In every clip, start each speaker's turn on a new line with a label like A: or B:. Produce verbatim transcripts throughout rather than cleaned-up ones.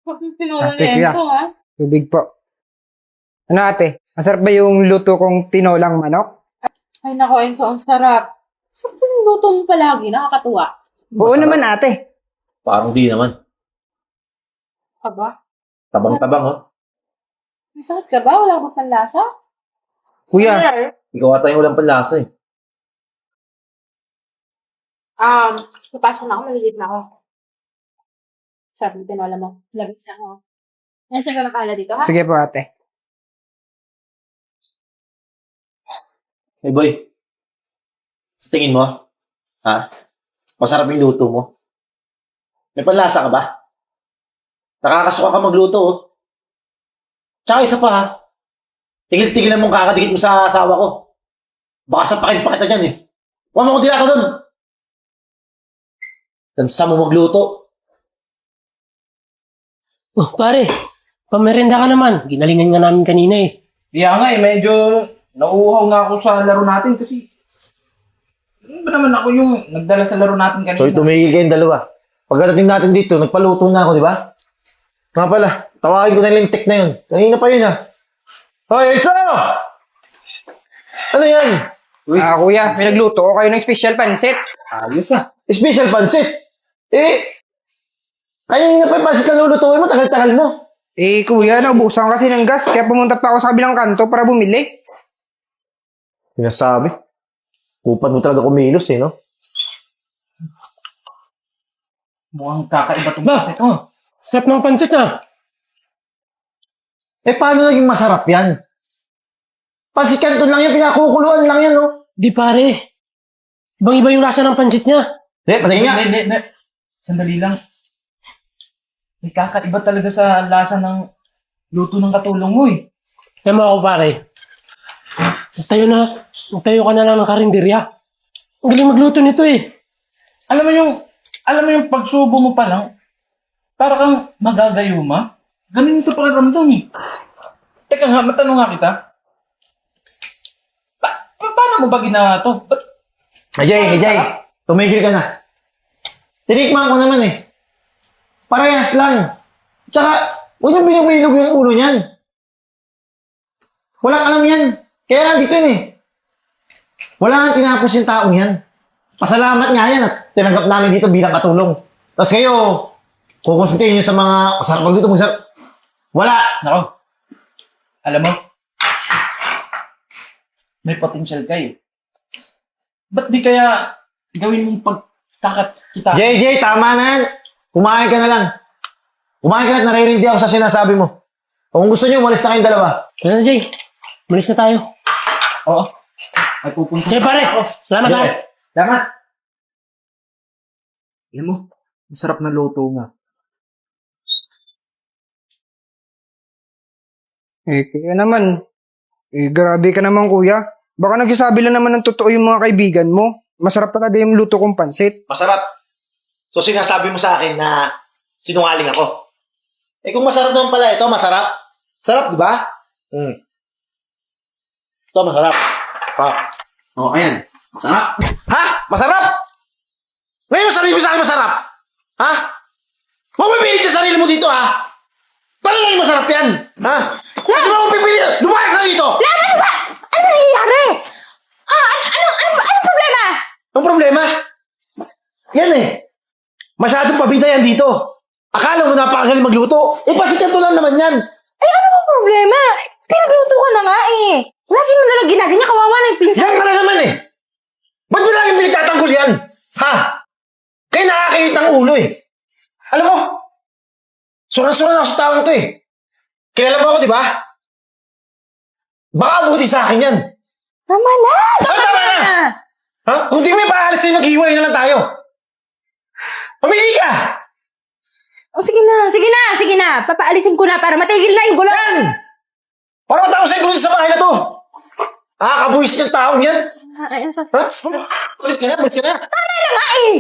A: Tinola
B: Ate, kuya.
A: lento, ha?
B: Tubig po. Ano ate? Masarap ba yung luto kong tinolang manok?
A: Ay, nako, Enzo, ang sarap. Sarap yung luto mo palagi, nakakatuwa.
B: Oo
C: Masarap.
B: naman ate.
C: Parang di naman.
A: Aba,
C: Tabang-tabang, oh.
A: may sakit ka ba? Wala ka ba panlasa?
B: Kuya,
A: Ano?
C: Ikaw ata yung walang panlasa, eh.
A: Um, papasok na ako, malilid na ako. Sarap yung tinola mo. Labis na ako. Yan, siya ka nakala dito, ha?
B: sige po ate.
C: Hey, boy. Sa tingin mo, ha? Masarap yung luto mo? May panlasa ka ba? Nakakasuka ka magluto, oh. Tsaka isa pa, ha? Tigil-tigilan mong kakadikit mo sa asawa ko. Baka sapakin pa kita dyan, eh. Huwag mo kong dilata dun! Tansa mo magluto.
D: Oh, pare, pamerenda ka naman. Ginalingan nga namin kanina eh.
E: Kaya nga eh, medyo nauuhaw nga ako sa laro natin kasi ano ba naman ako yung nagdala sa laro natin kanina?
C: Hoy, tumigil kayong dalawa. Pagdating natin dito, nagpaluto na ako, di ba? Nga pala, tawagin ko na yung tek na yun. Kanina pa yun, ha? Hoy, Elsa! Ano yan?
B: Ah kuya, may nagluto ko kayo ng special pansit.
E: Ayos ah.
C: Special pansit. Eh, kanina pa yung pansit na lulutuin mo, tagal-tagal mo.
B: Eh kuya, naubusan kasi ng gas kaya pumunta pa ako sa kabilang kanto para bumili.
C: Sinasabi. Upat mo talaga kumilos, eh, no?
E: Mukhang kakaiba itong
D: Ba?
E: pansit oh.
D: Sarap ng pansit ah.
C: Eh, paano naging masarap yan? Pansit kanton lang yan, pinakukuluan lang yan, no?
D: Di pare. Ibang iba yung lasa ng pansit niya.
C: Eh, patingin nga.
E: Hindi, hindi, hindi. Sandali lang. May kakaiba talaga sa lasa ng luto ng katulong mo eh.
D: Kaya mo ako pare. Magtayo na. Magtayo ka na lang ng karinderya. Ang galing magluto nito eh.
E: Alam mo yung, alam mo yung pagsubo mo pa lang, para kang magagayuma. Ganun yung sa pakiramdam eh. Teka nga, matanong nga kita. Pa, pa- paano mo ba ginawa to? Ba't
C: Ajay, Ajay, tumigil ka na. Tinikman ko naman eh. Parehas lang. Tsaka, huwag niyong binibilog yung ulo niyan. Walang alam yan. Kaya nga dito yun eh. Wala nga tinapos yung taong yan. Pasalamat nga yan at tinanggap namin dito bilang katulong. Tapos kayo, kukonsultahin niyo sa mga masarap magluto, masarap. Wala!
E: Nako. Alam mo, may potential ka eh. Ba't di kaya gawin mong pagkakakita?
C: Jay, Jay, tama na yan. Kumain ka na lang. Kumain ka na at naririndi ako sa sinasabi mo. Kung gusto niyo, umalis na kayong dalawa.
D: Kaya na Jay. Malis na tayo.
E: Oo. Ay pupunta.
D: Kaya pare. Salamat ah.
E: Salamat. Alam mo, masarap na luto mo.
B: Eh kaya naman. Eh grabe ka naman kuya. Baka nagsasabi lang naman ng totoo yung mga kaibigan mo. Masarap talaga yung luto kong pansit.
C: Masarap. So sinasabi mo sa akin na sinungaling ako. Eh kung masarap naman pala ito, masarap. Sarap, di ba? Hmm. Ito, masarap. Ha?
E: Oo, oh, ayan. Masarap.
C: Ha? Masarap? Ngayon sabi mo sa akin masarap? Ha? Huwag mo pipilit sa sarili mo dito, ha? Paano naging masarap yan? Ha? Kasi mo kung pipilit, lumayas ka dito!
A: Lama, ano ba? Ano nangyayari? Ah, ano, ano, ano, ano problema?
C: Ang problema? Yan eh. Masyadong pabida yan dito. Akala mo napakagaling magluto. Eh, pasikan to lang naman yan.
A: Ay, ano bang problema? Pinagluto ka na nga eh. Lagi mo nalang ginaganya, kawawa na yung pinsan.
C: Yan ka na naman eh. Ba't mo lagi pinagtatanggol yan? Ha? Kaya nakakayit ng ulo eh. Alam mo, suran-suran ako sa taong to eh. Kilala mo ako, di ba? Baka abuti sa akin yan.
A: Tama na! Tama,
C: Ah, tama
A: na!
C: na! Ha? Kung di mo ipaalis sa'yo, maghiwalay na lang tayo. Pumili ka!
A: Oh, sige na, sige na, sige na. Papaalisin ko na para matigil na yung gulo.
C: Yan! Para matapos sa gulo sa bahay na to. Nakakabuhis ng taong yan.
A: Ay, ay,
C: Ha? Alis ka na, alis ka na.
A: Tama na nga eh!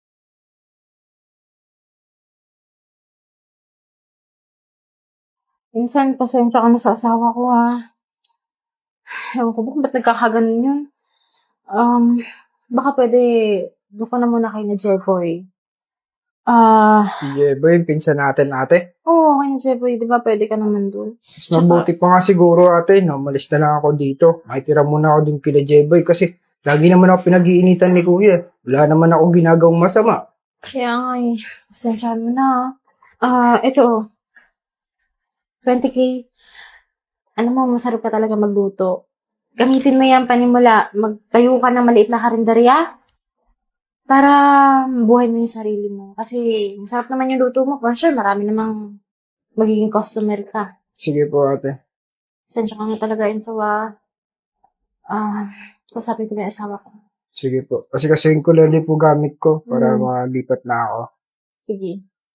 A: Minsan, pasensya ka na sa asawa ko, ha. Ewan ko ba kung ba't nagkakaganon yun? Um, baka pwede, doon ka na muna kay na Jeboy. Ah,
B: Si Jeboy, pinsan natin ate.
A: oo, okay na Jeboy. Di ba pwede ka naman dun?
B: Mas mabuti pa nga siguro ate, no? Malis na lang ako dito. Makitira muna ako din kila Jeboy kasi lagi naman ako pinag-iinitan ni kuya. Wala naman akong ginagawang masama.
A: Kaya nga eh. Pasensyahan mo na. Ah, ito oh. twenty K. Ano mo, masarap ka talaga magluto. Gamitin mo yan panimula. Magtayo ka ng maliit na karinderya para buhay mo yung sarili mo. Kasi masarap naman yung luto mo. For sure, marami namang magiging customer ka.
B: Sige po ate.
A: Pasensya ka nga talaga, Enzo, ah. Ah, kasabi ko na yung asawa ko.
B: Sige po. Kasi kasi ko lang din po gamit ko para
A: Mm.
B: malipat na ako.
A: Sige.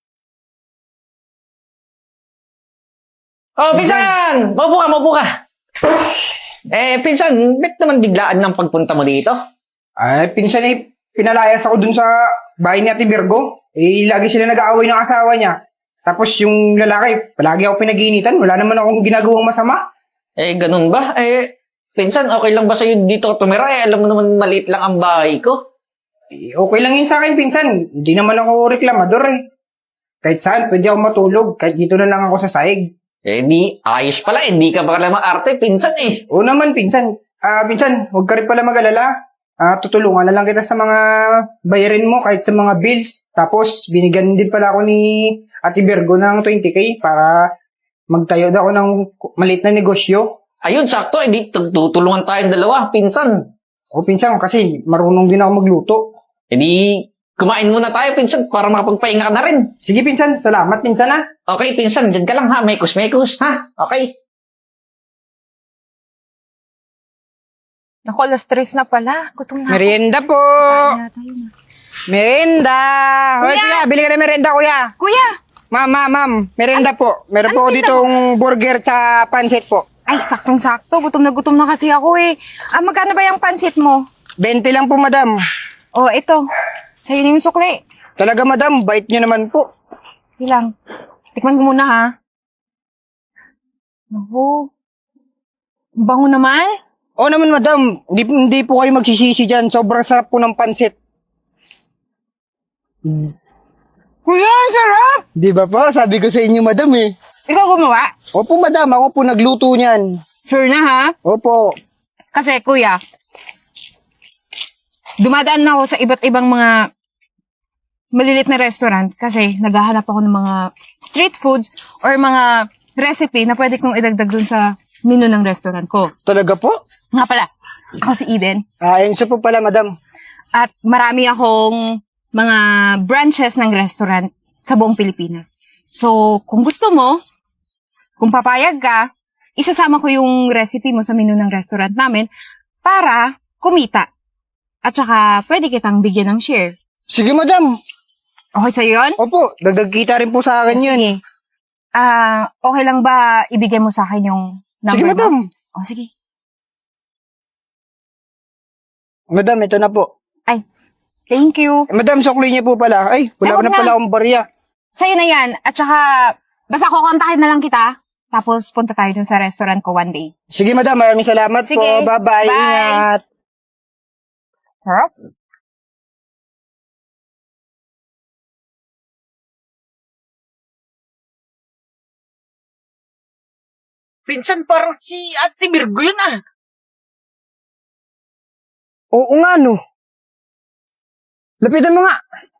F: Oh, pinsan! Maupo ka, maupo ka. Eh, pinsan, ba't naman biglaan ng pagpunta mo dito?
B: Ay, pinsan eh, pinalayas ako dun sa bahay ni Ate Virgo. Eh, lagi sila nag-aaway ng asawa niya. Tapos yung lalaki, palagi ako pinag-iinitan. Wala naman akong ginagawang masama.
F: Eh, ganun ba? Eh, pinsan, okay lang ba sa'yo dito tumira? Eh, alam mo naman maliit lang ang bahay ko.
B: Eh, okay lang yun sa akin, pinsan. Hindi naman ako reklamador eh. Kahit saan, pwede ako matulog. Kahit dito na lang ako sa sahig.
F: Eh, di, ayos pala. Hindi ka pala maarte, pinsan eh.
B: Oo naman, pinsan. Ah, pinsan, huwag ka rin pala mag-alala. Ah, tutulungan na lang kita sa mga bayarin mo, kahit sa mga bills. Tapos, binigyan din pala ako ni Ate Virgo ng twenty K para magtayo daw ako ng maliit na negosyo.
F: Ayun, sakto. Eh, di, tutulungan tayong dalawa, pinsan.
B: O, pinsan, kasi marunong din ako magluto.
F: Eh, di, kumain muna tayo, pinsan, para makapagpahinga ka na rin.
B: Sige, pinsan. Salamat, pinsan, ha.
F: Okay, pinsan, dyan ka lang ha. Mekos-mekos, ha? Okay.
G: Naku, alas tres na pala. Gutom na ako.
B: Merienda po.
G: Kain na tayo na.
B: Merienda. Hoy,
G: Kuya!
B: kuya, bili ka ng merienda, kuya.
G: Kuya!
B: Ma'am, ma'am, ma'am. Merienda po. Meron
G: ano
B: po ako
G: tinda
B: ditong burger sa pansit po.
G: Ay, saktong-sakto. Gutom na gutom na kasi ako eh. Ah, magkano ba yung pansit mo?
B: twenty lang po, madam.
G: Oh, ito. Sa'yo na yung sukli.
B: Talaga, madam. Bait niyo naman po.
G: Ilang. Tikman ko muna ha. Naku. Ang bango naman.
B: Oo naman, madam. Hindi, hindi po kayo magsisisi dyan. Sobrang sarap po ng pansit.
G: Kuya, ang sarap!
B: Di ba po? Sabi ko sa inyo, madam eh.
G: Ikaw gumawa?
B: Opo, madam. Ako po nagluto niyan.
G: Sure na ha?
B: Opo.
G: Kasi kuya, dumadaan na ako sa iba't ibang mga malilit na restaurant kasi naghahanap ako ng mga street foods or mga recipe na pwede kong idagdag dun sa menu ng restaurant ko.
B: Talaga po?
G: Nga pala, ako si Eden
B: Ah, yun siya po pala, madam.
G: at marami akong mga branches ng restaurant sa buong Pilipinas. So, kung gusto mo, kung papayag ka, isasama ko yung recipe mo sa menu ng restaurant namin para kumita. At saka, pwede kitang bigyan ng share.
B: Sige, madam.
G: Okay sa'yo yun?
B: Opo, dagdag kita rin po sa akin yun.
G: Sige. Ah, okay lang ba ibigay mo sa akin yung number
B: Sige,
G: mo?
B: madam.
G: Oh, sige.
B: Madam, ito na po.
G: Thank you.
B: Eh, madam, sukli niya po pala. Ay, wala
G: Ay,
B: ko
G: wag
B: na
G: na.
B: pala akong barya.
G: Sa'yo na yan. At saka, basta kukontakin na lang kita. Tapos, punta tayo dun sa restaurant ko one day.
B: Sige, madam. Maraming salamat
G: Sige.
B: po. Bye-bye.
G: Bye.
B: Ingat.
G: Harap?
F: Pinsan, parang si Ate Virgo yun ah.
B: Oo nga, no. Lapitan mo nga.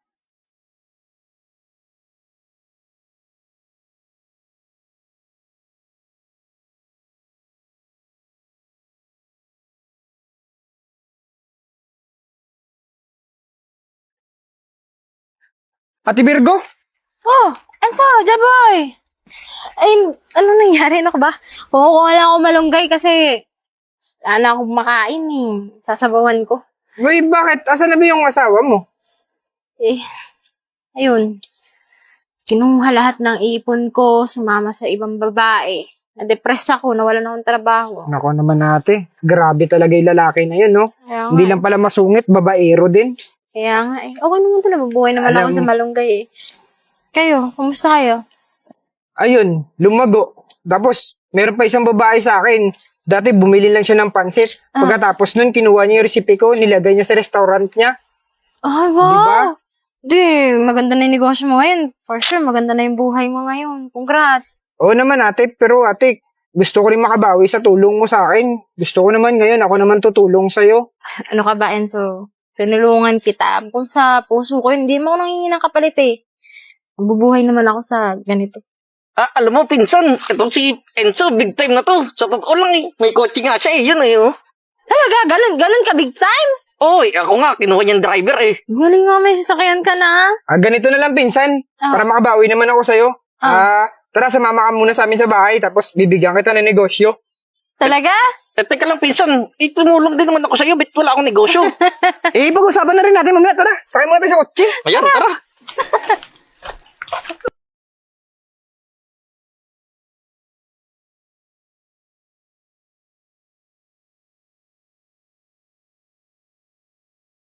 B: Ate Virgo?
A: Oh, Enzo, Jaboy! Ay, ano nangyari? Ano ka ba? Kumukuha lang ako malunggay kasi wala na akong makain eh. Sasabawan ko.
B: Uy, bakit? Asan na ba yung asawa mo?
A: Eh, ayun. Kinuha lahat ng ipon ko, sumama sa ibang babae. Na-depress ako, nawalan akong trabaho.
B: Nako naman ate. Grabe talaga yung lalaki na yun, no?
A: Kaya nga,
B: Hindi lang pala masungit, babaero din.
A: Kaya nga eh. Okay naman ito, nabubuhay naman
B: Alam
A: ako sa
B: mo-
A: malunggay eh. Kayo, kumusta kayo?
B: Ayun, lumago. Tapos, meron pa isang babae sa akin. Dati, bumili lang siya ng pansit. Pagkatapos nun, kinuha niya yung recipe ko, nilagay niya sa restaurant niya.
A: Ay,
B: Di ba?
A: wow! Di, maganda na yung negosyo mo ngayon. For sure, maganda na yung buhay mo ngayon. Congrats.
B: Oo naman ate, pero ate, gusto ko rin makabawi sa tulong mo sa akin. Gusto ko naman ngayon, ako naman tutulong sa'yo.
A: Ano ka ba, Enzo? Tinulungan kita. Kung sa puso ko, hindi mo ako nanghingi ng kapalit eh. Mabubuhay naman ako sa ganito.
F: Ah, alam mo, pinsan, itong si Enzo, big time na to. Sa totoo lang eh, may kotse nga siya eh, yun eh. Oh.
A: Talaga? Ganun, ganun ka big time?
F: Oy, ako nga, kinuha niyang driver eh.
A: Galing nga, may sasakyan ka na.
B: Ah, ganito na lang pinsan,
A: Ah.
B: para makabawi naman ako sa'yo.
A: Ah.
B: Ah, tara, sumama ka muna sa amin sa bahay, tapos bibigyan kita ng negosyo.
A: Talaga?
F: Eh, teka lang, pinsan, eh, tumulong din naman ako sa'yo, ba't wala akong negosyo?
B: Eh, pag-usapan na rin natin mamaya, tara. Sakay muna tayo sa kotse.
F: Ayan, tara.